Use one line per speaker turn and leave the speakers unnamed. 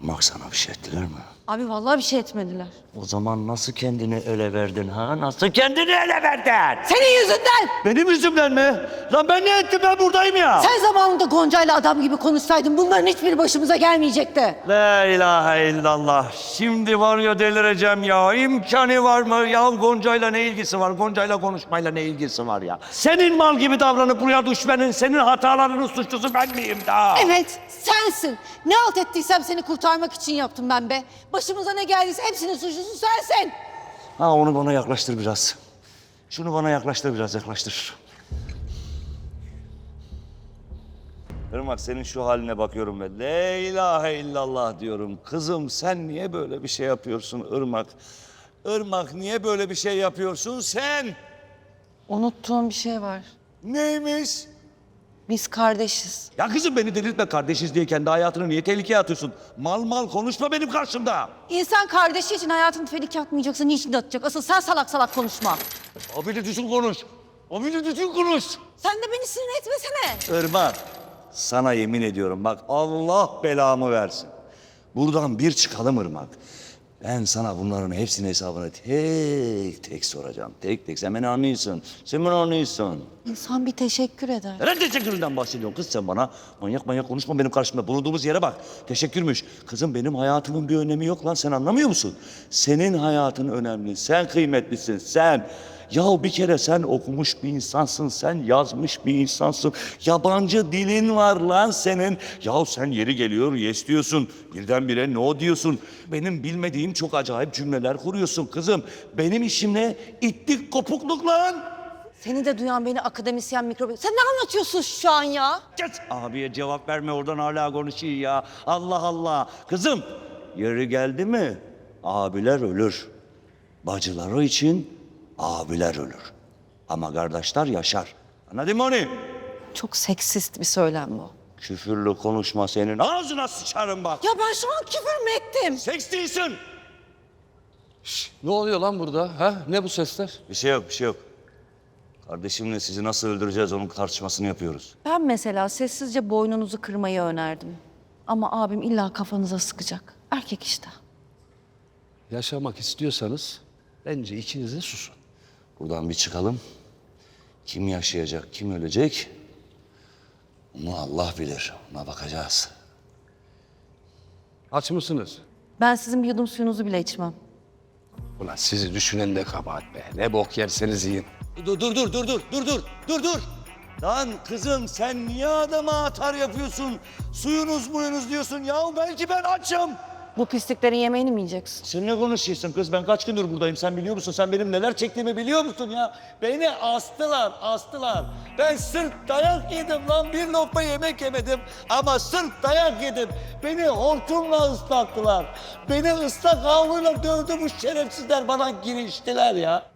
Irmak sana bir şey ettiler mi?
Abi vallahi bir şey etmediler.
O zaman nasıl kendini ele verdin ha? Nasıl kendini ele verdin?
Senin yüzünden!
Benim yüzümden mi? Lan ben ne ettim, ben buradayım ya.
Sen zamanında Gonca'yla adam gibi konuşsaydın bunların hiçbiri başımıza gelmeyecekti.
La ilahe illallah. Şimdi var ya delireceğim ya. İmkanı var mı? Ya Gonca'yla ne ilgisi var? Gonca'yla konuşmayla ne ilgisi var ya? Senin mal gibi davranıp buraya düşmenin, senin hatalarının suçlusu ben miyim da?
Evet, sensin. Ne halt ettiysem seni kurtarmak için yaptım ben be. Başımıza ne geldiyse hepsinin suçlusu sensin.
Ha, onu bana yaklaştır biraz. Şunu bana yaklaştır biraz, yaklaştır. Irmak, senin şu haline bakıyorum ve la ilahe illallah diyorum. Kızım sen niye böyle bir şey yapıyorsun Irmak? Irmak niye böyle bir şey yapıyorsun sen?
Unuttuğum bir şey var.
Neymiş?
Biz kardeşiz.
Ya kızım beni delirtme, kardeşiz diye kendi hayatını niye tehlikeye atıyorsun? Mal mal konuşma benim karşımda.
İnsan kardeşi için hayatını tehlikeye atmayacaksa niçin atacak? Asıl sen salak salak konuşma.
Abini düzgün konuş. Abini düzgün konuş.
Sen de beni sinir etmesene.
Irmak, sana yemin ediyorum bak Allah belamı versin. Buradan bir çıkalım Irmak. Ben sana bunların hepsinin hesabını tek tek soracağım. Tek tek. Sen beni anlıyorsun. Sen beni anlıyorsun.
İnsan bir teşekkür eder.
Neden teşekküründen bahsediyorsun kız sen bana? Manyak manyak konuşma benim karşımda. Bulunduğumuz yere bak. Teşekkürmüş. Kızım benim hayatımın bir önemi yok lan. Sen anlamıyor musun? Senin hayatın önemli. Sen kıymetlisin. Sen. Yahu bir kere sen okumuş bir insansın. Sen yazmış bir insansın. Yabancı dilin var lan senin. Yahu sen yeri geliyor yes diyorsun. Birdenbire no diyorsun. Benim bilmediğim çok acayip cümleler kuruyorsun kızım. Benim işim ne? İttik kopukluk lan.
Seni de duyan beni akademisyen mikrobik. Sen ne anlatıyorsun şu an ya?
Kes! Abiye cevap verme, oradan hala konuşuyor ya. Allah Allah. Kızım, yeri geldi mi abiler ölür. Bacıları için abiler ölür. Ama kardeşler yaşar. Anladın mı onu?
Çok seksist bir söylem bu.
Küfürlü konuşma, senin ağzına sıçarım bak.
Ya ben şu an küfür mü ettim?
Seks değilsin.
Ne oluyor lan burada? Ha? Ne bu sesler?
Bir şey yok, bir şey yok. Kardeşimle sizi nasıl öldüreceğiz onun tartışmasını yapıyoruz.
Ben mesela sessizce boynunuzu kırmayı önerdim. Ama abim illa kafanıza sıkacak. Erkek işte.
Yaşamak istiyorsanız bence ikiniz de susun.
Buradan bir çıkalım. Kim yaşayacak, kim ölecek? Onu Allah bilir. Ona bakacağız.
Aç mısınız?
Ben sizin bir yudum suyunuzu bile içmem.
Ulan sizi düşünen de kabahat be. Ne bok yerseniz yiyin.
Dur. Lan kızım sen niye adama atar yapıyorsun? Suyunuz diyorsun ya, belki ben açım.
Bu pisliklerin yemeğini mi yiyeceksin?
Sen ne konuşuyorsun kız? Ben kaç gündür buradayım, sen biliyor musun? Sen benim neler çektiğimi biliyor musun ya? Beni astılar. Ben sırf dayak yedim lan, bir lokma yemek yemedim. Ama sırf dayak yedim. Beni hortumla ıslattılar. Beni ıslak havluyla dövdü bu şerefsizler, bana giriştiler ya.